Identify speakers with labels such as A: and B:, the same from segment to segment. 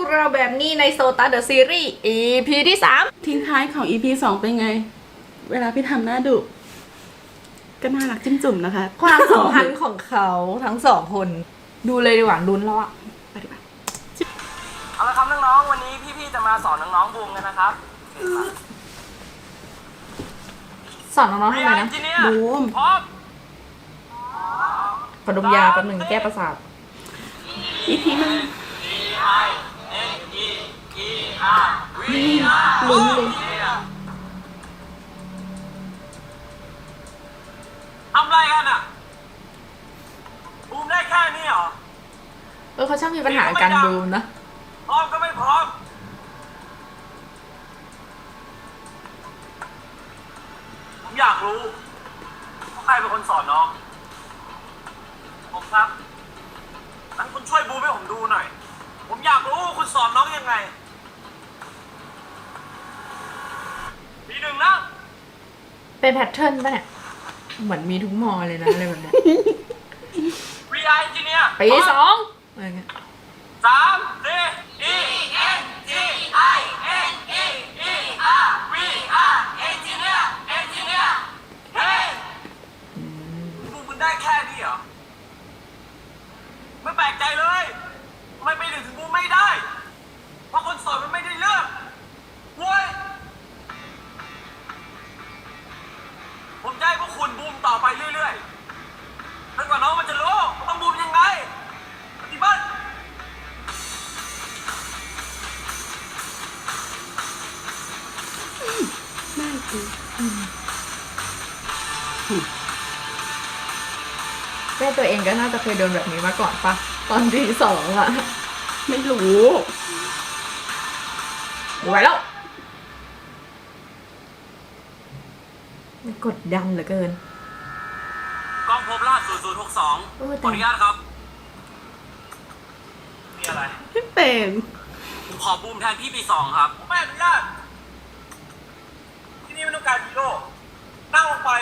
A: กเราแบบนี้ในโซตาเดอะซีรีส์ EP ที่3
B: ทิ้งท้ายของ EP 2 เป็นไง เวลาพี่ทำหน้าดุก็น่ารักจิ้มจุ่มนะคะ
A: ความสัมพันธ์ของเขาทั้งสองคน ดูเลยดีกว่าลุ้นแล้วอะไปดีกว่า
C: เอาละครับน้องๆวันนี้พี่ๆจะมาสอนน้องๆบูมกันนะครับ
A: สอนน้องๆทำไมนะ
B: บูม
C: พร้อม
A: ขอดมยาแป๊บหนึ่งแก้ประสาท
B: EP มัน
A: ลุ้นเลย
C: ทำไรกันอ่ะบูมได้แค่นี้เหรอ
A: เขาช่างมีปัญหาการดูนะ
C: พร้อมก็ไม่พร้อมผมอยากรู้ว่าใครเป็นคนสอนน้องผมครับงั้นคุณช่วยบูมให้ผมดูหน่อย ผมอยากรู้ว่าคุณสอนน้องยังไงปีหนึ่งนะ
A: เป็นแพทเทิร์นป่ะเนี่ย เหมือนมีทุกมอเลยนะอะไรแบบเนี้ย
C: VI Engineer
A: ปี2อะไรเงี้ย
C: 3 4 E N G I N E E R V R Engineer Engineer เฮ้ยบูมมันได้แค่นี้เหรอไม่แปลกใจเลยทำไมไปถึงบูมไม่ได้เพราะคนสอนมันไม่ได้เลือกเว้ยผมจะให้พวกคุณบูมต่อไปเรื่อยๆจนกว่าน้องมันจะรู้ว่าต้องบูมยังไงปฏิบัติ
B: น่าคือ
A: แม่ตัวเองก็น่าจะเคยโดนแบบนี้มาก่อนปะตอนที่2อะ
B: ไม่รู้
A: ไหวแล้วกดดันเหลือเกิน
C: กล้องพบลาด
A: โอ้ย
C: 0062
A: แต่
C: ขออนุญาตครับ มีอะไร
B: พี่เป็น
C: ผมขอบูมแทนพี่ปี 2 ครับ ผมไม่อนุญาต ที่นี่ไม่ต้องการฮีโร่นั่งลงไป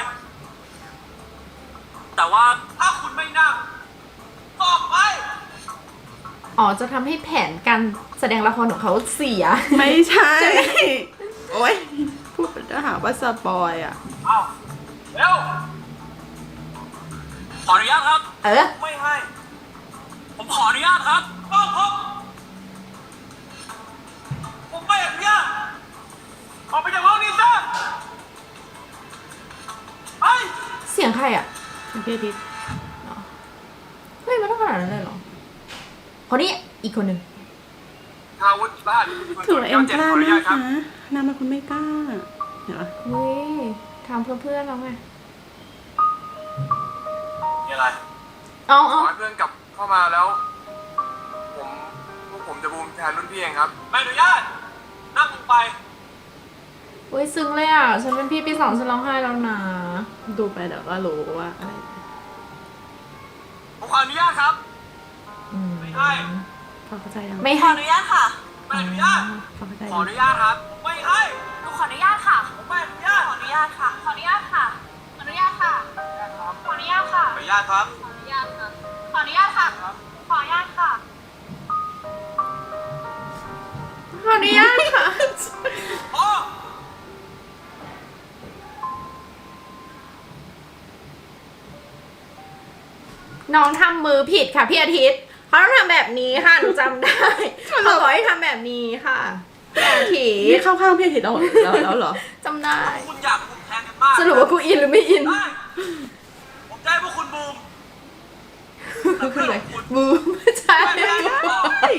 C: แต่ว่าถ้าคุณไม่นั่งก็ออกไป
A: อ๋อจะทำให้แผนการแสดงละครของเขาเสีย
B: ไม่ใช่ โอ๊ย พูดจะหาว่าสปอยอ่ะ
C: เอาเร็ว ขออนุญาตครับ ไม่ให้ ผมขออนุญาตครับกล้องพบผมไม่อนุญาตออกไปจากห้องนี้ซะไป
A: เสียงใครอ่ะ
B: พี่อาทิตย์
A: เฮ้ยมันต้องขนาดนั้นเลยเหรอคนนี้อีกคนหนึ่ง
C: อาวุธบ้าน
B: ถือว่าเอ็มกล้ามากนะนางเป็นคนไม่กล้าเห็นปะ
A: เฮ้ยทำเพื่อเพื่อนเราไง
C: มีอะไร
A: เอา
D: ขอให้เพื่อนกลับเข้ามาแล้ว พวกผมจะบูมแทนรุ่นพี่เองครับ
C: ไม่อนุญาต นั่งลงไป
A: เฮ้ยซึ้งเลยอ่ะ ฉันเป็นพี่ปี 2ฉันร้องไห้แล้วนะ
B: ดูไปเดี๋ยวก็รู้ว่าอะไร
C: ผมขออนุญาตครับ ไม่ให้
B: พอเข้าใจยัง
A: ไม่
E: ขอ
A: ให้
E: อนุญาตค่ะ
C: ไม่อนุญาต
B: พอเข้าใจ
C: ขออนุญาตครับ ไม่ให้
E: หนูขออนุญาตค่ะ
C: ผมไม่อนุญาต
E: ขออนุญาตค่ะ ขออนุญาตค่ะ ขออนุญาตค่ะ ขออนุญาตค่ะ
C: ขออนุญาตครับ
E: ขออนุญาตค่ะ ขออนุญาตค่ะ ขออนุญาตค่ะ
A: ขออนุญาตค่ะ
C: พ่อ
A: น้องทำมือผิดค่ะพี่อาทิตย์เขาต้องทำแบบนี้ค่ะหนูจำได้เขาบอกให้ทำแบบนี้ค่ะพี่อาทิต
B: นี่
A: ย์
B: เข้าข้างพี่อาทิตย์แล้วเหรอ
A: จำได้
C: คุณอยากบูมแทนกันมาก
A: สรุปว่ากูอินหรือไม่อิน
C: ได้ผมจะให้พวกคุณบูม
A: คืออะไรบูมไม่ใช่
C: ไม่ได้ต่อ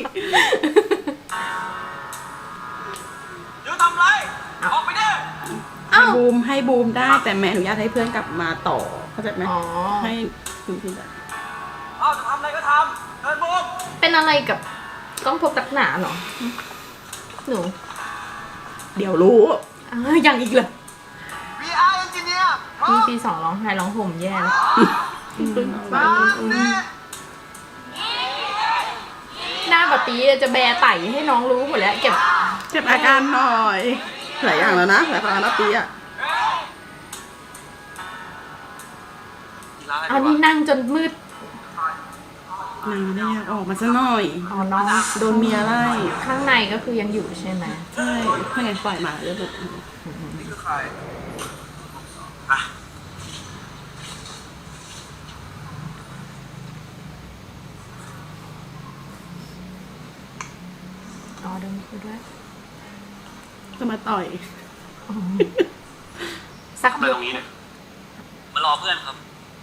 C: เดี๋ยวทำไร ออกไปเด้อ
B: ให้บูมได้แต่แม่อนุญาตให้เพื่อนกลับมาต่อเข้าใจไหม
A: อ๋อ
B: ให้คุณพี่ได้
C: เอาจะทำอะไรก็ทำเดินบูม
A: เป็นอะไรกับกล้องพบตักหนาเหรอหนู
B: เดี๋ยวรู้
A: ยังอีกเหรอ
C: VR Engineer
A: พี่ปี 2ร้องไห้ร้องห่มแย่แล้วหน้าแบบปีจะแบไต่ให้น้องรู้หมดแล้วเก็บ
B: เจ็บอาการหน่อยหลายอย่างแล้วนะหลายอย่างแล้วปีอ่ะ
A: เอานี่นั่งจนมืด
B: นางไม่ได้อยากออกมาซะหน่อย
A: อ๋อน้อง
B: โดนเมียไล่
A: ข้างในก็คือยังอยู่ใช่ไหม
B: ใช่ไม่งั้นปล่อยมาแล้วแบบ
D: นี่คือใคร
C: อ่ะ
A: อ๋อโดนคุยด้วย
B: จะมาต่อย
A: สัก
C: ทำอะไร
A: ยุ
C: ตรงนี้เนี่ย มารอเพื่อนครับ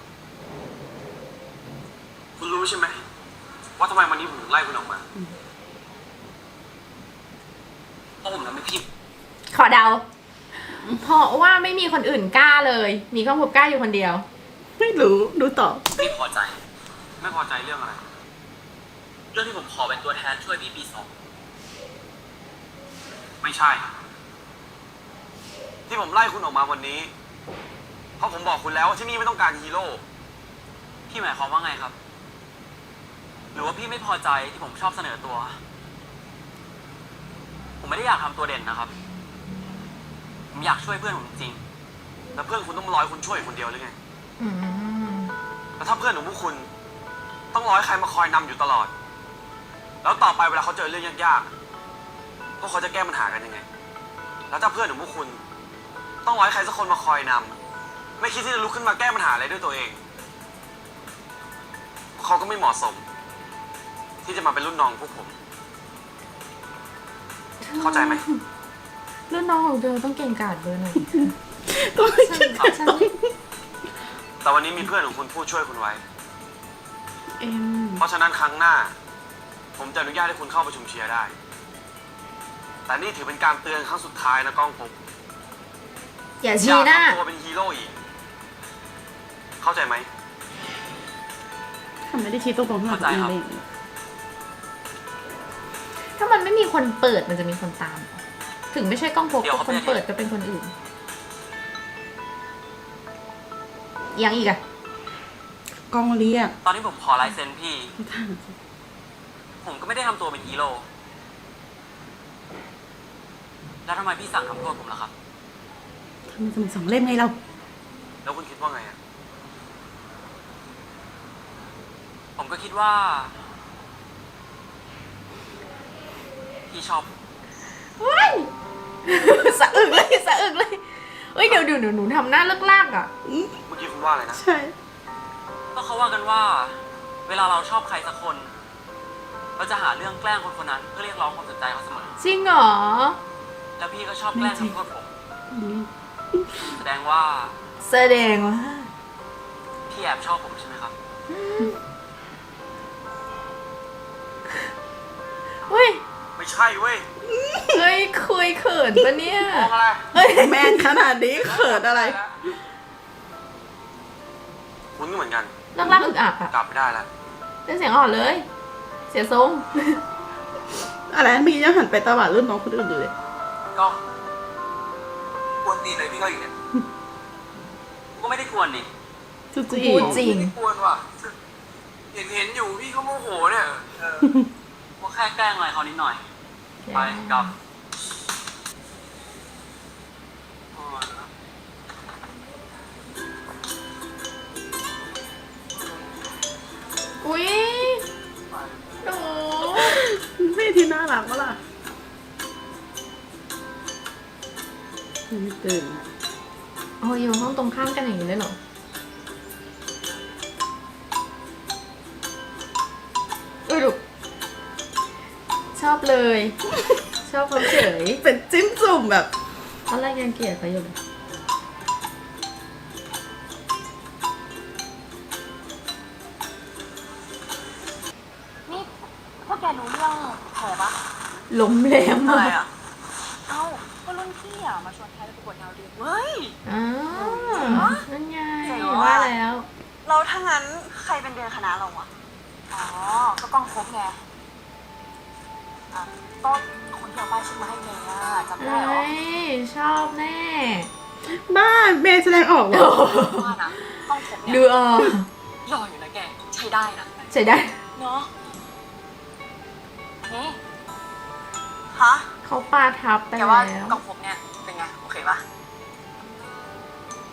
C: คุณรู้ใช่ไหมว่าทำไมวันนี้ผมถึงไล่คุณออกมา เพราะผมทำให้พี่
A: ขอเดา เพราะว่าไม่มีคนอื่นกล้าเลย มีข้าวผุบกล้าอยู่คนเดียว
B: ไม่รู้ดูต่อ
C: ไม่พอใจ
D: ไม่พอใจเรื่องอะไร
C: เรื่องที่ผมขอเป็นตัวแทนช่วยพี่ปีสอง
D: ไม่ใช่ ที่ผมไล่คุณออกมาวันนี้ เพราะผมบอกคุณแล้วว่าที่นี่ไม่ต้องการฮีโร่
C: พี่หมายความว่าไงครับ หรือว่าพี่ไม่พอใจที่ผมชอบเสนอตัว ผมไม่ได้อยากทำตัวเด่นนะครับ ผมอยากช่วยเพื่อนผมจริง
D: แล้วเพื่อนคุณต้องรอให้คุณช่วยคนเดียวหรือไง
A: อืม
D: แล้วถ้าเพื่อนของพวกคุณต้องรอให้ใครมาคอยนำอยู่ตลอด แล้วต่อไปเวลาเขาเจอเรื่องยากๆพวกเขาจะแก้ปัญหากันยังไง แล้วถ้าเพื่อนของพวกคุณต้องรอให้ใครสักคนมาคอยนำไม่คิดที่จะลุกขึ้นมาแก้ปัญหาอะไรด้วยตัวเองพวกเขาก็ไม่เหมาะสม ที่จะมาเป็นรุ่นน้องพวกผม เข้าใจไหม
A: รุ่นน้องของเธอต้องเก่งกาจเบอร์หน่อย
B: ก็ไม่
A: ฉั
B: ใช่
A: นฉัน
D: แต่วันนี้มีเพื่อนของคุณพูดช่วยคุณไว้
B: เอ็ม
D: เพราะฉะนั้นครั้งหน้า ผมจะอนุญาตให้คุณเข้าประชุมเชียร์ได้ แต่นี่ถือเป็นการเตือนครั้งสุดท้ายนะก้องผม
A: อย่า
D: อ
A: ชี้
D: ย่า
A: หน้า
D: ทำตัวเป็นฮีโร่อีก เข้าใจไหม
B: ทำไม่ได้ชี้ตรงๆหรอกเอง
A: ถ้ามันไม่มีคนเปิดมันจะมีคนตาม ถึงไม่ใช่กล้องโฟกัสคนเปิดก็เป็นคนอื่น ยังอีกอะ
B: กองเรียก
C: ตอนที่ผมขอลายเซ็นพี่
B: ไม่ทัน
C: ผมก็ไม่ได้ทำตัวเป็นฮีโร่ แล้วทำไมพี่สั่งทำโทษผมล่ะครับ
B: ทำไมสมุด2 เล่มไงเรา
D: แล้วคุณคิดว่าไงอะ
C: ผมก็คิดว่า พี่ชอบ
A: เฮ้ย สะอึกเลยสะอึกเลยเอ้ยเดี๋ยวหนูทำหน้าเลิกลากอะ
D: เมื่อกี้คุณว่าอะไรนะ
B: ใช่
C: ก็เขาว่ากันว่า เวลาเราชอบใครสักคน เราจะหาเรื่องแกล้งคนคนนั้น เพื่อเรียกร้องความสนใจเขาเสมอ
A: จริงเหรอ
C: แล้วพี่ก็ชอบแกล้ง
B: ไม่จริง
C: ทำโทษผม
B: อืม
C: แสดงว่า
A: แสดงว่า
C: พี่แอบชอบผมใช่ไหมครับ
A: เฮ้ย
D: ไม่ใช่เว้ย
A: เฮ้ยคุยเขินปะเนี่ย
D: มองอะไร
A: เฮ้ย
B: แมนขนาดนี้เขินอะไร
D: คุณก็เหมือนกัน
A: เลิกลากอึกอักอะ
D: กลับไม่ได้แล้ว
A: เป็นเสียงอ่อนเลย เสียทรง
B: อะไรเมื่อกี้ยังหันไปตะวัดรุ่นน้องคนอื่นอยู่เลย
C: ก็
D: กวนตีนเลยพี่ก็อีกเนี่ย
C: ก็ไม่ได้กวนนี่
B: จุ๊จี
A: พูดจริง
D: ไม่กวนว่ะ เห็นอยู่พี่เขาโมโหเนี่ย
C: ก็แค่แกล้งอะไรเขานิดหน่อย ไปกลับ
A: อุ๊ยหนู
B: ไม่ที่น่ารักวะล่ะยังไม่ตื่น
A: โอ้ยอยู่ห้องตรงข้ามกันอย่างนี้เลยเหรออุ้ยลูกชอบเลย ชอบเขาเฉย
B: เป็นจิ้มจุ่มแบบ
A: ตอนแรกยังเกลียดเขาอยู่เลย
E: นี่พวกแกรู้เรื่องแผลปะ
A: ล้มแรงมาก
E: เอ้า ก็รุ่นพี่อ่ะ มาชวนแพรไปประกวดดาวเรืองเว้ย
A: อ้าวนั่นไง
E: เจ๋งว่ะ
A: ว่าแล้ว
E: เราถ้างั้นใครเป็นเดือนคณะเราอะอ๋อ ก็กล้องครบไง อ่ะก็คนที่เอาป้ายชื่อมาให้เมย์อะจำได้เหรอ
A: เฮ้ยชอบแน่
B: บ้าเมย์แสดงออกเหรอ
E: ว่านะกล้องครบเนี่ย
A: ดูออก
E: หล่ออยู่นะแก ใช้ได้นะ
A: ใช้ได้
E: เนาะนี่ฮะ
A: เขาปาทับไป
E: แก
A: แล้ว
E: ว่ากล้องครบเนี่ยเป็นไง โอเคปะ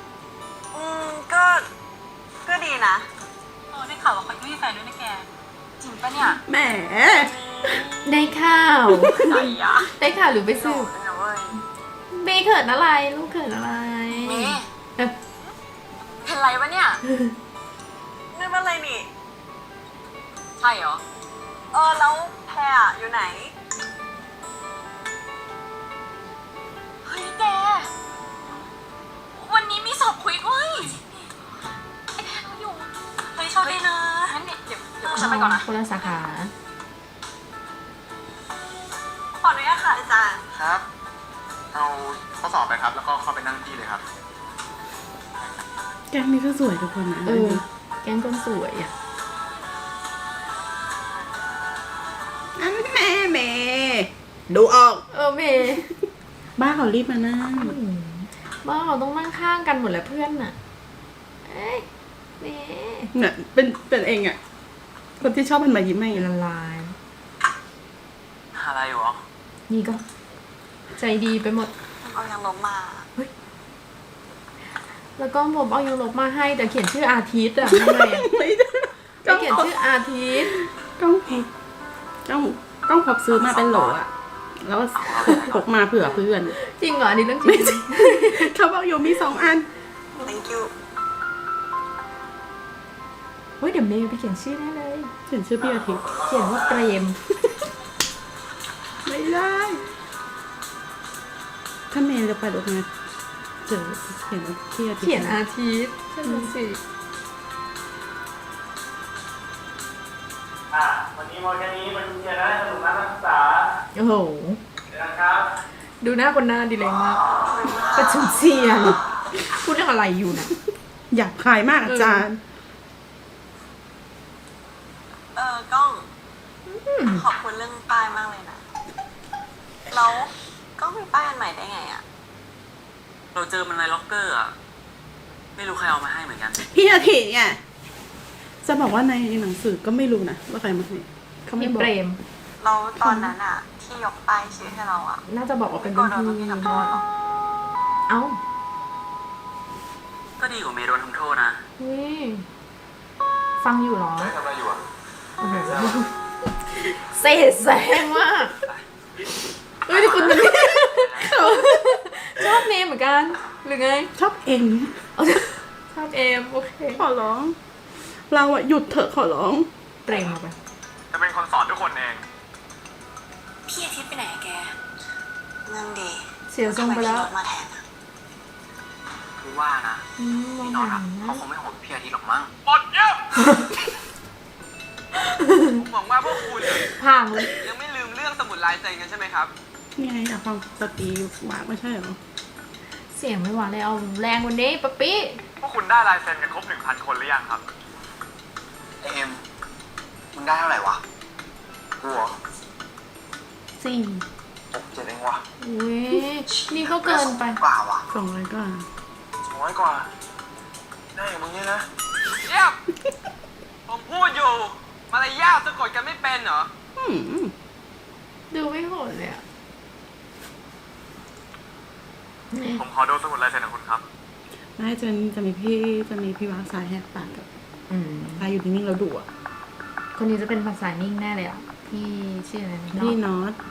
E: ก็ดีนะได้ข่าวว่าเขาไม่มีแฟนด้วยนะแกจริงปะเนี่ย
B: แหม
A: ได้ข่าว
E: ไอ้ยะ
A: ได้ข่าวหรือไป
E: สื
A: สื
E: บบ นะเว้ย
A: เมย์เขินอะไร ลูกเขินอะไร
E: เมย์เป็นไรวะเนี่ยนี่มันอะไรนี่ ใช่เหรอ แล้วแพรอยู่ไหน เฮ้ยแก วันนี้มีสอบคุยเว้ยไอแพรเราอยู่ เฮ้ยโชคดีนะงั้นเดี๋ยวฉันไปก่อนนะ
A: คนละสาขา
E: ขออนุญาตค่ะอาจารย์
F: ครับ เอาข้อสอบไปครับ แล้วก็เข้าไปนั่งที่เลยครับ
B: แกงนี้ก็สวยทุกคนนะ
A: เออ แก๊งคนสวยอ่ะ
B: อันแม่เมดูออก
A: เมย์
B: บ้าเขารีบมานั่ง
A: บ้าเราต้องนั่งข้างกันหมดแหละเพื่อนน่ะ เอ้ยเมย์
B: เนี่ยเป็นเองอ่ะ คนที่ชอบมันมายิ้มให้
A: ละลาย
D: อะไรอยู่หรอ
A: นี่ก็ ใจดีไปหมด
E: เอายังลบมา
A: แล้วก็ผมเอายูโรมาให้แต่เขียนชื่ออาทิตย์อะทำไมอะ
B: ไม่ได้
A: ไม่เขียนชื่ออาทิตย์
B: กล้องพบกล้องพบซื้อมาเป็นโหลอ่ะ แล้วพกมาเผื่อเพื่อน
A: จริงเหรออันนี้เรื่องจริง
B: เขาบอกอยู่มี2 อัน
E: thank you
A: เฮ้ยเดี๋ยวเมย์ไปเขียนชื่อได้เลย
B: เขียนชื่อพี่อาทิตย์
A: เขียนว่าเปรม
B: ไม่ได้ ถ้าเมย์จะไปรถมาเจอเขียนว่าพี่อาทิตย์
A: เขียนอาทิตย์ใช่ไหมสิ
F: วันนี้มอแค่นี้มาดูเชียร์นะสนุกนะนักศึกษา
A: โอ้โห
F: เดี๋ยวนะครับ
A: ดูหน้าคนหน้าดีเลยมากประชุมเสียงพูดเรื่องอะไรอยู่นะ
B: อยากขายมากอาจารย์
E: กล้อง ขอบคุณเรื่องป้ายมากเลยนะ แล้วกล้องมีป้ายอันใหม่ได้ไงอะ
D: เราเจอมันในล็อกเกอร์อ่ะ ไม่รู้ใครเอามาให้เหมือนกัน
B: พี่อาทิตย์เนี่ยจะบอกว่าในหนังสือก็ไม่รู้นะว่าใครมาให้เขาไม่
A: พี่
B: บอก
A: เปรม
E: เราตอนนั้นอะที่ยกป้ายชื่อให้เราอะ
A: น่าจะบอกว่าเป็น
E: ก็
A: รุ่น
E: โดน
A: พี่
E: พี่
A: ม
E: ทำโทษเหรอ
A: เอ้า
D: ก็ดีกว่าเมย์โดนทำโทษนะ
A: เฮ้ยฟังอยู่เหรอ
F: ทำอะไรอยู่อ่ะ
A: โอ้โหเศษแสงมากเฮ้ยแต่คุณนี่ชอบเมย์เหมือนกัน หรือไง
B: ชอบเอง
A: เอาชอบเอมโอเค
B: ขอร้อง เราอะหยุดเถอะขอร้อง
A: เปรมเอาไป
F: จะเป็นคนสอนทุกคนเอง
E: พี่อาทิตย์ไปไหนอะแกนั่งดี
A: เสียทรงไปแล้ว
E: ทำมพี่โน้ตมาแทนอะ
D: คือว่านะ
A: มอง
D: พี่น็อต
A: หา
D: อะเขาคงไม่โหดพี่อาทิตย์หรอกมั้ง
F: หมดเยอะ
D: ผมหวังว่าพวกคุณอะ
A: ผ่างเลย
D: ยังไม่ลืมเรื่องสมุดลายเซ็นกันใช่ไหมครับ
B: นี่ไงอยากฟังสตรีวากไม่ใช่เหรอ
A: เสียงไม่หวานเลยเอาแรงกวันนี้ป๊ปปี้
F: พวกคุณได้ลายเซ็นกันครบ 1,000 คนหรือยังครับ
D: เอ็มมึงได้เท่าไหร่วะ
F: กูเหรอ
A: 4
F: 6 7เองวะ
A: อุ้ยนี่ก็เกินไป
D: กว่าวะ
B: 200 กว่า
F: 200 กว่า ได้อย่างมึงเนี่ยนะ
D: เยี่ยมผมพูดอยู่มารยาทสะกดกันไม่เป็นเหรอ
B: อืม
A: ดูไม่โหดเลยอ่ะ
F: ผมขอดูสมุดลายเซ็นของคุณครับ
B: ไม่จะมีพี่วางสายแหกปากกับ
A: อืม
B: พายอยู่นิ่งๆแล้วดุอ่ะ
A: คนนี้จะเป็นภาษานิ่งแน่เลยอ่ะ พี่ชื่ออะไรนะ
B: พี่น็อต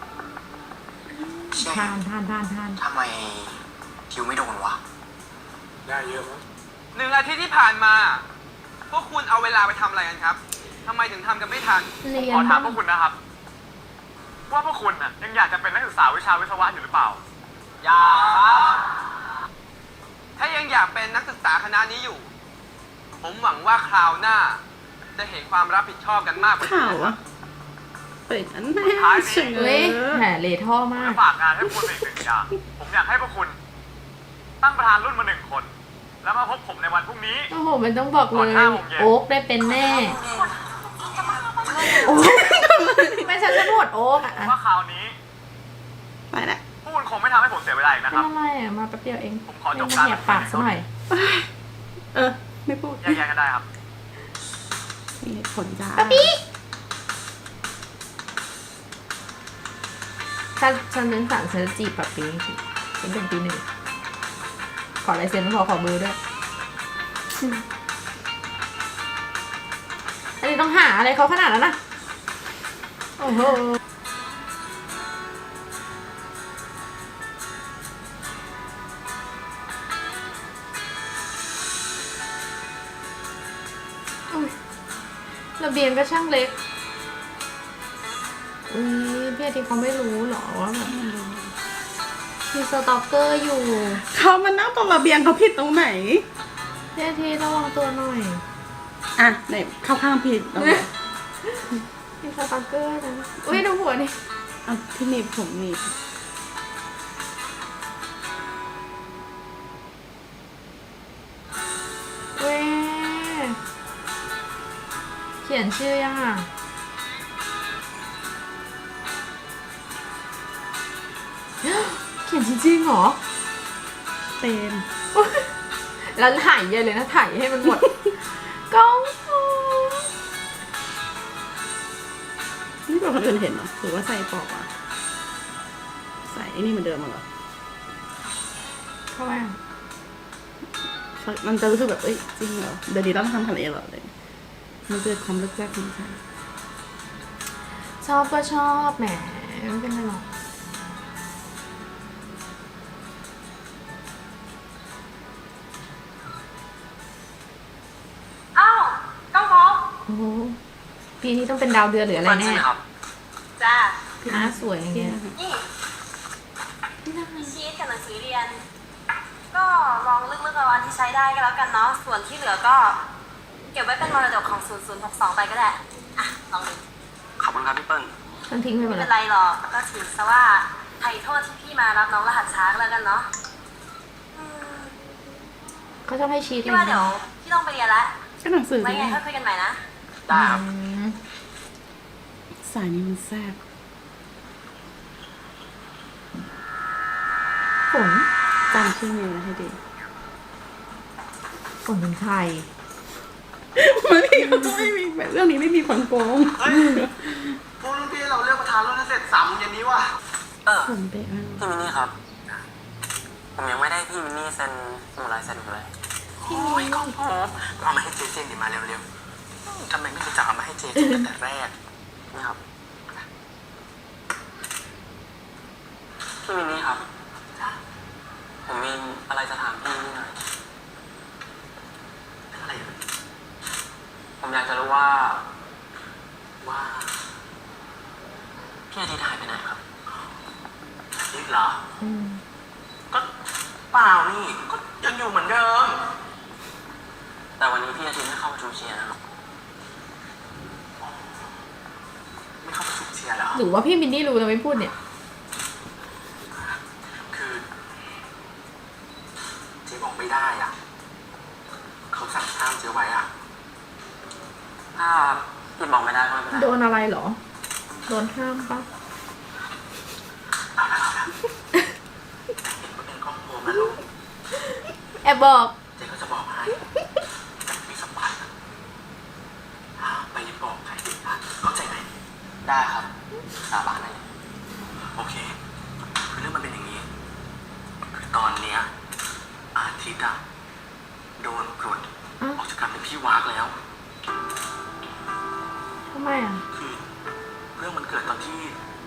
A: ทาน
D: ทำไมคิวไม่โดนวะ
F: ได้เยอะมั้ง
D: 1 อาทิตย์ที่ผ่านมา พวกคุณเอาเวลาไปทำอะไรกันครับทำไมถึงทำกันไม่ทัน
A: เรียน
F: ขอถามพวกคุณนะครับ ว่าพวกคุณน่ะยังอยากจะเป็นนักศึกษาวิชาวิศวะอยู่หรือเปล่า
D: อยากครับ ถ้ายังอยากเป็นนักศึกษาคณะนี้อยู่ ผมหวังว่าคราวหน้า จะเห็นความรับผิดชอบกันมากกว่านี้
B: ข่าว
D: นะครั
B: อะ
D: บ
B: เปิดอันแม่เฉย
A: เว้ยแหมเลท่อมาก
F: จะฝากงานให้พวกคุณอีก 1 อย่าง ผมอยากให้พวกคุณ ตั้งประธานรุ่นมา 1 คน แล้วมาพบผมในวันพรุ่งนี้
A: โอ้โห มันต้องบอกเลย
F: ก่อน5 โมงเย็น
A: โอ๊กได้เป็นแน่ โอ๊กไม่ใช่ฉันโหวตโอ๊กอ่ะ
F: ว่าคราวนี้
B: ไปละ
F: พวกคุณคงไม่ทำให้ผมเสียเวลาอีกนะค
A: ไม่
F: รับ
A: อะไรอ่ะ มาแป๊บเดียวเอง
F: ผมขอจบ
A: ไม่
F: การ
A: แหกปากซะหน่อย
B: ไม่พูด
F: แยกย้ายกันได้ครับ
B: มีเหตุผลจ้า
A: ฉันเป็นสั่งฉันจะจีบป๊ปปี้ฉันเป็นปี 1 ขอลายเซ็นไม่พอขอเบอร์ด้วย อันนี้ต้องหาอะไรเขาขนาดนั้นนะโอ้โหอุ๊ยระเบียงก็ช่างเล็กอุ้ยพี่อาทิตย์เขาไม่รู้เหรอว่าแบบมีสต็อกเกอร์อยู่
B: เขามานั่งตรงระเบียงเขาผิดตรงไหน
A: พี่อาทิตย์ระวังตัวหน่อย
B: อ่ะไหนเข้าข้างผิดตรงไหน
A: มีสต็อกเกอร์นะอุ้ยดูหัวนี่
B: เอาที่หนีบผมหนีบ
A: เว้ยเขียนชื่อยังอ่ะ เขียนจริงๆเหรอ
B: เต็ม
A: แล้วถ่ายเยอะเลยนะถ่ายให้มันหมด กล้องฟู
B: นี่เป็นคนอื่นเห็นเหรอหรือว่าใส่ปอกอ่ะใส่ไอ้นี่เหมือนเดิมเหรอ
A: เข้ามา
B: มันจะรู้สึกแบบเอ้ยจริงเหรอเดี๋ยวนี้ต้องทำขนาดนี้เหรอเลยมันเกิดความรู้จักมันใช่
A: ชอบก็ชอบแหมไม่เป็นไรหรอก
E: อ้าวก้องพบ
A: โอ้โหปีนี้ต้องเป็นดาวเดือนหรืออะไรแน่
D: ครับ
E: จ้า
A: หน้าสวยอย่างเงี้ย
E: นี่ชีทกับหนังสือเรียน ก็ลองเลือกเอาอันที่ใช้ได้ก็แล้วกันเนาะ ส่วนที่เหลือก็เก็บไว้เป็นมรดกของ 0062 ไปก็ได้ อ่ะ ลองดู
D: ขอบคุณครับพี่เปิ้ล
A: มันทิ้งไปหม
E: ไม่
A: ด
E: เป็
A: แล้ว
E: นไรหรอก ก็ถือซะว่าไถ่โทษที่พี่มารับน้องรหัสช้าก็แล้วกันเนาะอืม
A: เขาชอบให้ชีท
E: พี่ว่าเดี๋ยวพี่ต้องไปเรียนแล้ว
B: ก็หนังสือ
E: ไว้
B: นี่
E: ไงค่อยคุยกันใหม่นะ
D: ได้ครับ
B: สายนี้มันแซ่บ
A: ฝน
B: จำชื่อเมลให้ดี
A: ฝนเป็นใคร
B: มันนี่เขาจะไม่มีแบบเรื่องนี้ไม่มีคนโกง
D: เฮ้ยพวกรุ่นพี่เราเลือกประธานรุ่นให้เสร็จ3 โมงเย็นนี้ว่ะ
B: ผมเป๊ะมาก
G: พี่มินนี่ครับ ผมยังไม่ได้พี่มินนี่เซ็นสมุดลายเซ็นอยู่เลย
D: โอ้ยก้องพบเอามาให้เจเจนดิมาเร็วๆทำไมไม่รู้จักเอามาให้เจเจนตั้งแต่แรก
G: นี่ครับ พี่มินนี่ครับ ผมมีอะไรจะถามพี่นิดหน่อย
D: อะไรอยู่
G: ผมอยากจะรู้ว่า พี่อาทิตย์หายไปไหนครับ
D: นี่เหรอ
A: อืม
D: ก็เปล่านี่ ก็ยังอยู่เหมือนเดิม
G: แต่วันนี้พี่อาทิตย์ไม่เข้าประชุมเชียร์นะครับ
D: ไม่เข้าประชุมเชียร์เหรอ
A: หรือว่าพี่มินนี่รู้แต่ไม่พูดเนี่ย
D: คือเจ๊บอกไม่ได้อ่ะ เขาสั่งห้ามเจ๊ไว้อ่ะ
G: ถ้าพี่บอกไม่ได้ก็ไม่เป็นไร
A: โดนอะไรเหรอ โดนห้ามปะ
D: เอาละเห็นว่าเป็นครอบครัวนะลูก
A: แอบบอก
D: เจ๊ก็จะบอกให้แต่มีสัมพันธ์อะห้ามไปบอกใครเด็ดขาดเข้าใจไหม
G: ได้ครับ สาบานได้เลย
D: โอเคคือเรื่องมันเป็นอย่างนี้ คือตอนเนี้ยอาทิตย์อะโดนปลด
A: อ้าว
D: ออกจากการเป็นพี่วากแล้ว
A: ทำไมอ่ะ
D: คือเรื่องมันเกิดตอนที่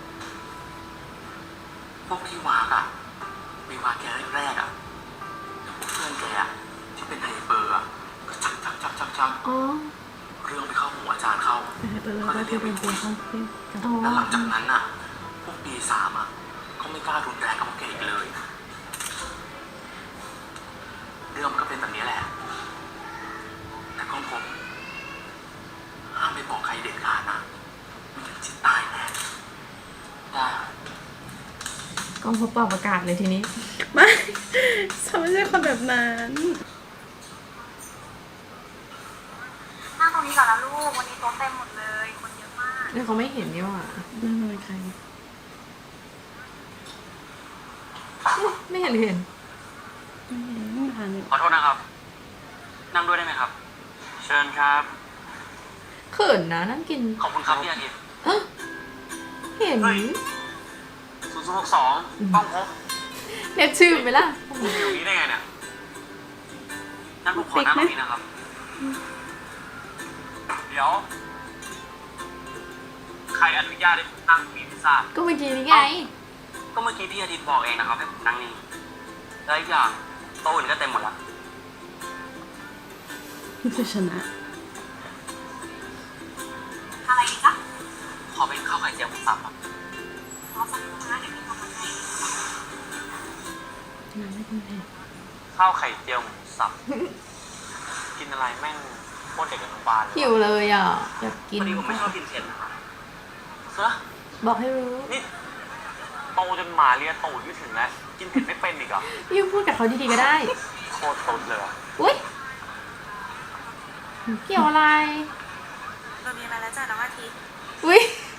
D: พวกพี่วากอะมีวากแกแรกๆอะพวกเพื่อนแกอะที่เป็นไฮเปอร์อะก็ชัก
A: อ๋อ
D: เรื่องไปเข้าหูอาจารย์เข้า
B: ไปเลยก็ที่เป็นตัวเขาที่
A: อ๋อ
D: แล้วหลังจากนั้นอะพวกปี3อะเขาไม่กล้ารุนแรงกับพวกแกอีกเลย เรื่องมันก็เป็นแบบนี้แหละ แต่ก็ผมห้ามไม่บอกใครเด็ดขาดนะไม่งั้นจิตตายแน่
G: ได้ครับ
A: กองพบเป่าประกาศเลยทีนี้
B: ไม่ฉันไม่ใช่คนแบบนั้น
E: นั่งตรงนี้ก่อนนะลูก วันนี้โต๊ะเต็มหมดเลย คนเยอะมาก
A: เนี่ยเขาไม่เห็นนี่หว่า
B: นั่นเป็นใคร
A: ไม่เห็นหรือเห็น
B: ไม่ทาน
G: ขอโทษนะครับ นั่งด้วยได้ไหมครับ เชิญครับ
A: เขินนะนั่งกิน
G: ขอบคุณครับพี่อาทิตย์
A: ฮะเห็น
D: 0062ต้องพบ
A: เรียกชื่อไหมล่ะ
D: คุณอยู่นี่ได้ไงเนี่ย
G: นั่นผมขอนั่งตรงนี้นะครับ
D: เดี๋ยวใครอนุญาตให้ผมนั่งมีพิซซ่า
A: ก็เมื่อกี้นี่ไง
G: ก็เมื่อกี้พี่อาทิตย์บอกเองนะครับให้ผมนั่งนี่แล้วอีกอย่างโต๊ะอื่นก็เต็มหมดละ
B: นี่คือชนะ
E: อะไรอีกจ๊ะ
G: ขอเป็นข้าวไข่เจียวหมูสับครับ
E: รอสักครู่นะเดี๋ยวพี่ทำมาให้
B: น้ำไม่กินเผ็ด
D: ข้าวไข่เจียวหมูสับ กินอะไรแม่งโคตรเด็กอนุบาลเลย
A: หิวเลยอ่ะ อยากกิน
G: พอดีผมไม่ชอบกินเผ็ดนะครับ
D: เฮ้ย
A: บอกให้รู้
D: นี่โตจนหมาเลียตูดไม่ถึงแล้ว กินเผ็ดไม่เป็นอีกเหรอ
A: ยิ่งพูดกับเขาดีๆก็ได้
D: โคตรตุ๊ดเลยอะ
A: อุ้ยเกี่ยวอะไร
E: เรามีอะไรแล้วจ้ะน้องอาทิตย์
A: อุ้ย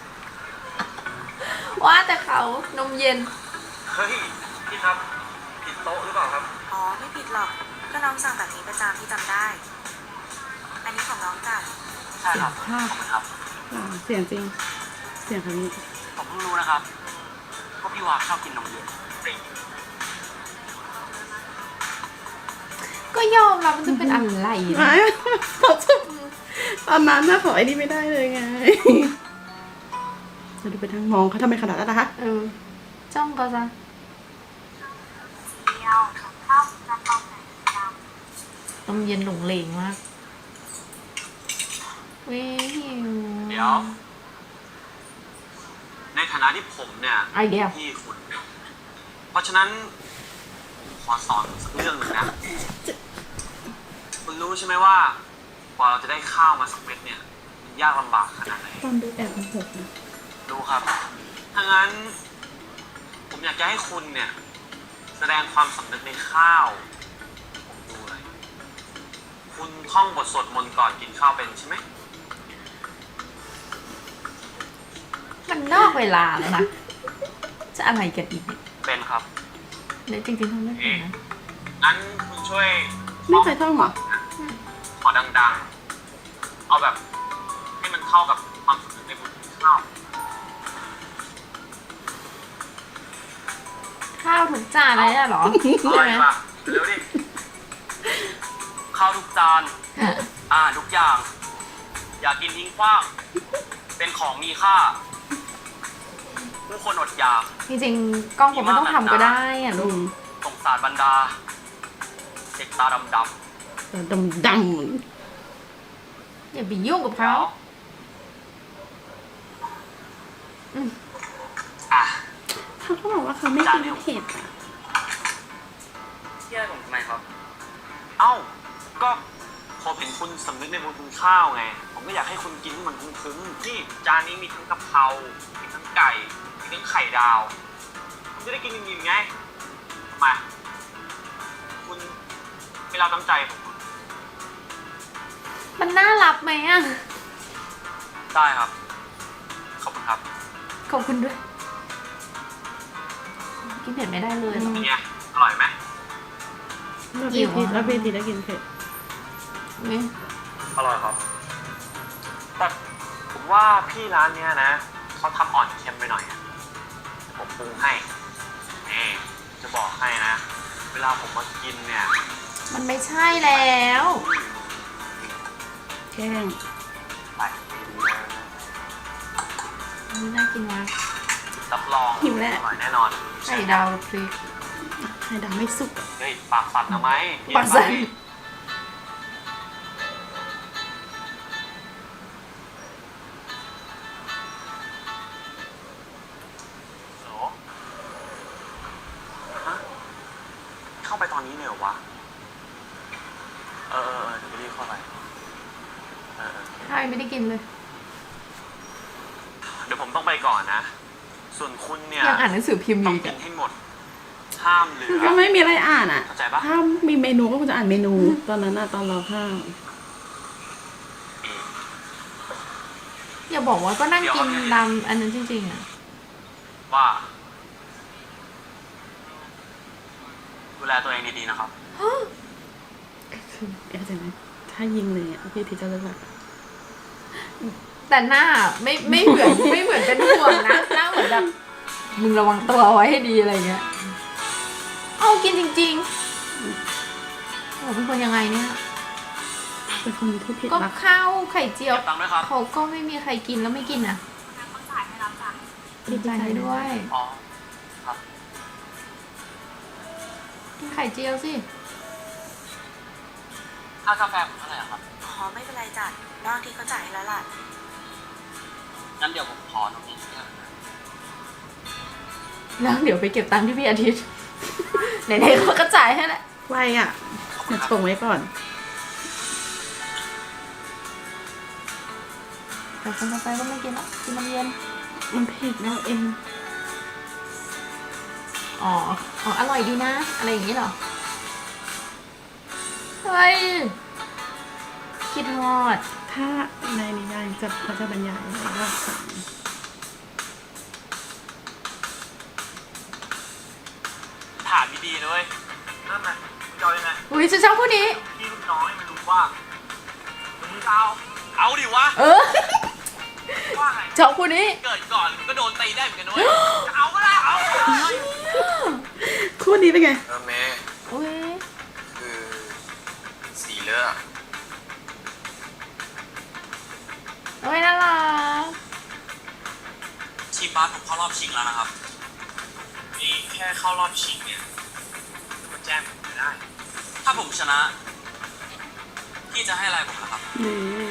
A: ว่าแต่เขานมเย็น
D: เฮ้ย พี่ครับ ผิดโต๊ะหรือเปล่าครับ
E: อ๋อไม่ผิดหรอกก็น้องสั่งแบบนี้ประจำที่จำได้ อันนี้ของน้องจ้ะ
G: ใช่ครับ
B: ภาพ
G: ขอบคุณครับ
B: เสียงจริง เสียงคำนี้
G: ผมเพิ่งรู้นะครับว่าพี่วาชอบกินนมเย็น
A: ก็ยอมรับมันจะเป็นอะไร
B: ไม่
A: นะ
B: เขาจะตอนนั้นนะขอไอ้นี่ไม่ได้เลยไงจะดูไปทางมองเขาทำไมขนาดนั้นนะคะ
A: เออ จ้องเขาซะ
E: เดียวข้าวกระเพราไก่ดำ
A: นมเย็นหลงเหลงมากเว้ยหิว
D: เดี๋ยว ในฐานะที่ผมเนี่ย
A: ไอเดีย
D: พี่คุณ เพราะฉะนั้นผมขอสอนสักเรื่องหนึ่งนะ คุณรู้ใช่ไหมว่ากว่าเราจะได้ข้าวมาสักเม็ดเนี่ย มันยากลำบากขนาดไหน
B: ตอนดูแอบโมโหนะ
D: รู้ครับ ถ้างั้น ผมอยากจะให้คุณเนี่ย แสดงความสำนึกในข้าว ผมดูเลย คุณท่องบทสวดมนต์ก่อนกินข้าวเป็นใช่ไหม
A: มันนอกเวลาแล้วนะ จะอะไรกันอีกเนี่ย
D: เป็นครับ
A: เดี๋ยวจริงๆทำไม่เป็นนะ
D: งั้นคุณช่วย
B: ไม่เคยท่องเหรอ
D: ขอดังๆ เอาแบบให้มันเข้ากับความสำนึกในบทข้าว
A: ข้าวทุกจานอะไรเนี่ยเหรอ
D: อ
A: ใช่
D: ร่อย
A: ไหม
D: ป่ะเร็วดิ
G: ข้าวทุกจาน ทุกอย่าง อย่ากินทิ้งขว้าง เป็นของมีค่า ผู้คนอดอยาก
A: จริงๆกล้องผมไม่ต้องทำก็ได้อ่ะลูก
G: สงสารบรรดา เด็กตาดำ
B: ดำด
A: อย่าไปยุ่งกับเขา
D: อ่ะ
B: ำเขาก็บอกว่าเขาไม่กินเผ็ดอ่ะ
G: ๆเชื่อผมทำไมครับ
D: เอ้า ก็ผมเห็นคุณสำนึกในบุญคุณข้าวไง ผมก็อยากให้คุณกินให้มันคุ้มๆนี่จานนี้มีทั้งกะเพรา มีทั้งไก่ มีทั้งไข่ดาว คุณจะได้กินอิ่มๆไงทำไมคุณไม่รับน้ำใจผมเหรอ
A: มันน่ารับไหมอ่ะ
D: ได้ครับ ขอบคุณครับ
A: ขอบคุณด้วย กินเผ็ดไม่ได้เลยเหรอ
D: เป็นไง อร่อยไหม
B: แล้วพี่ทีแล้วพี่ทีได้กินเผ็ด
A: นี่
D: อร่อยครับ แต่ผมว่าพี่ร้านเนี้ยนะเขาทำอ่อนเค็มไปหน่อยอะผมปรุงให้จะบอกให้นะ เวลาผมมากินเนี่ย
A: มันไม่ใช่แล้ว
B: แกล้ง
D: ไป
A: นี่น่ากินมาก
D: รับรอง
B: หิวแล้ว
D: อร่อยแน่นอน
A: ไข่ดาวพริก
B: ไข่ดำไม่สุกอะ
D: เฮ้ยปากสั่นทำไม
A: ปากสั่น
D: เย็ไปฮัลโหลฮะเข้าไปตอนนี้เลยเหรอวะ เออเดี๋ยวไปรีบเข้าไปเออ
A: ใช่ไม่ได้กินเลย
D: เดี๋ยวผมต้องไปก่อนนะ ส่วนคุณเนี่ย
A: ยังอ่านหนังสือพิมพ์อ
D: ต้อยู่ ง
A: อีก
D: กิ
A: อะ
D: นให้หมด ห้ามเหลือ
B: ก็ไม่มีอะไรอ่านอ่ะ
D: เข้าใจปะ
B: ถ้ามีเมนูก็คงจะอ่านเมนู ตอนนั้นอ่ะตอนเราข้าว
A: อย่าบอกว่าก็นั่งกินดำอันนั้นจริงๆอ่ะ
D: ว่าดูแลตัวเองดีๆนะครับ
B: คือเข้าใจไหมถ้ายิงเลยอ่ะพี่ทีจะเลิกละ
A: แต่หน้าไม่เหมือน ไม่เหมือนเป็นห่วงนะหน้าเหมือนแบบมึงระวังตัวไว้ให้ดีอะไรเงี้ย เอากินจริงๆโอ้เป็นคนยังไงเนี่ย
B: เป็นคนที่ผิด
A: ก็
B: รัก
A: ข้าวไข่เจียว
G: เก็บตังค์ด้วยครับ
A: เขาก็ไม่มีใครกินแล้วไม่กินอ่ะ
E: น้ำมันใส
A: ดีใจด้วย
G: อ๋อ ครับ
A: กินไข่เจียวสิ
G: ค่ากาแฟผมเท่าไหร่อะครับ
E: อ๋อไม่เป็นไรจ้ะนอกที่เขาจ่ายให้แล้วล่ะ
G: งั้นเดี๋ยวผมขอตรงนี้นะครับ
A: แล้วเดี๋ยวไปเก็บตังค์ที่พี่อาทิตย์ ไหนๆเขาก็จ่ายให้แหละ
B: ไวอ่ะเดี๋ยวชงไว้ก่อน
A: แต่คนต่อไปก็ไม่กินแล้วกินมันเย็น
B: มันเผ็ดแล้วเอง
A: อ๋อ อ๋อ อร่อยดีนะ อะไรอย่างนี้เหรอ เฮ้ย คิดฮอด
B: ถ้าในนิยายเขาจะบรรยายไว้ว่า
G: ถามดีๆเลย
F: นั่นไงมึงจะเอายังไง
A: อุ้ยฉันชอบคู่นี้
F: พี่ลูกน้องให้มันรู้ว่ามึงจะเอา
G: เอาดิวะ
A: เออ
F: ว่าไง
A: ชอบคู่นี้
G: เกิดก่อนก็โดนตีได้เหมือนกันด้วย
F: จะเอาก็ได้เอา
B: คู่นี้เป็นไง
D: เมย์
A: อุ้ย
D: คือสีเลือด
A: โอ้ยน่ารัก
G: ทีมบาสผมเข้ารอบชิงแล้วนะครับ
F: นี่แค่เข้ารอบชิงเนี่ยก็แจ้งผมไม่ได้
G: ถ้าผมชนะ พี่จะให้อะไรผมนะครับ
B: นี่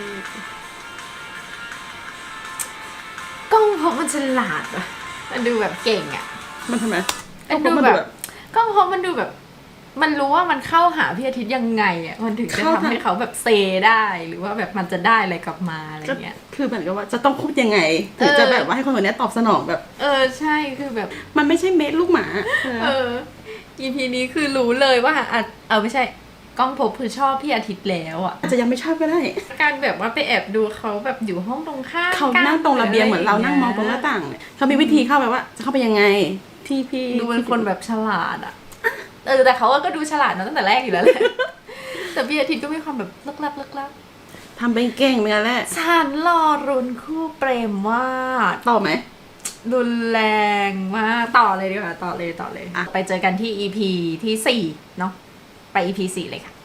A: กล้องเพราะมันฉลาดอะมันดูแบบเก่งอะ
B: มันทำไม
A: มันดูแบบกล้องเพราะมันดูแบบ มันรู้ว่ามันเข้าหาพี่อาทิตย์ยังไงอะมันถึงจะทำให้เขาแบบเซได้หรือว่าแบบมันจะได้อะไรกลับมาอะไร
B: ก็
A: เงี้ย
B: คือเหมือนกับว่าจะต้องพูดยังไงถึงจะแบบว่าให้คนคนนี้ตอบสนองแบบ
A: เออใช่คือแบบ
B: มันไม่ใช่เม็ดลูกหมา
A: เออ EP นี้คือรู้เลยว่าอ่ะเอาไม่ใช่กล้องภพคือชอบพี่อาทิตย์แล้วอ่ะ
B: อาจจะยังไม่ชอบก็ได้
A: การแบบว่าไปแอบดูเขาแบบอยู่ห้องตรงข้าม
B: เขานั่งตรงระเบียงเหมือนเรานั่งมองตรงหน้าต่างเนี่ยเขามีวิธีเข้าไปว่าจะเข้าไปยังไงที่พี่
A: ดูเป็นคนแบบฉลาดอ่ะเออแต่เขาก็ดูฉลาดมาตั้งแต่แรกอยู่แล้วแหละแต่พี่อาทิตย์ก็มีความแบบลึกลับลึกลับ
B: ทำเป็นเก่งเหมือนกันแหละ
A: ฉันรอรุนคู่เปรมว่า
B: ต่อไหม
A: รุนแรงมากต่อเลยดีกว่าต่อเลย
B: อ่ะ
A: ไปเจอกันที่ EP ที่ 4 เนาะไป EP 4 เลยค่ะ